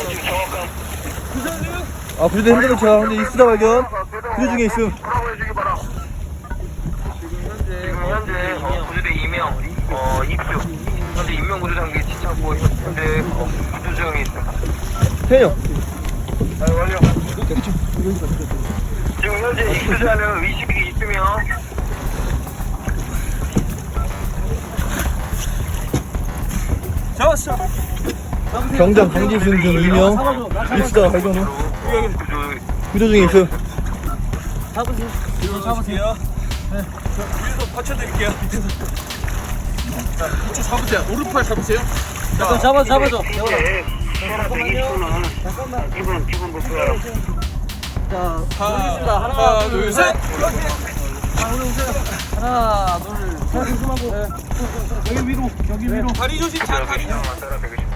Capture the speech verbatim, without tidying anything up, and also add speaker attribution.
Speaker 1: 아, 구조대 핸드를 제가 현재 이수자 발견. 구조 중에 있음.
Speaker 2: 지금 현재 어, 구조대 이 명 어, 입수. 현재 인명 구조 장비 지쳤고 현재 어, 구조 중에 있습니다.
Speaker 1: 태영.
Speaker 2: 아, 완료. 지금 현재 입수자는 의식이 있으며
Speaker 3: 잡았어.
Speaker 1: 경장 강진승 등 이 명 이수자 발견 후
Speaker 2: 구조
Speaker 1: 구조 중에 있음.
Speaker 3: 잡으세요. 이거 잡으세요. 네. 위에서 받쳐드릴게요. 밑에서. 자, 이쪽 잡으세요. 오른팔 잡으세요. 자, 잡아, 잡아줘.
Speaker 2: 잠깐만요. 잠깐만. 기본 기본 목표야.
Speaker 3: 자, 하나, 하나, 둘, 셋. 하나, 둘, 셋. 조심하고. 여기 위로, 여기 위로. 다리 조심, 잘 다리.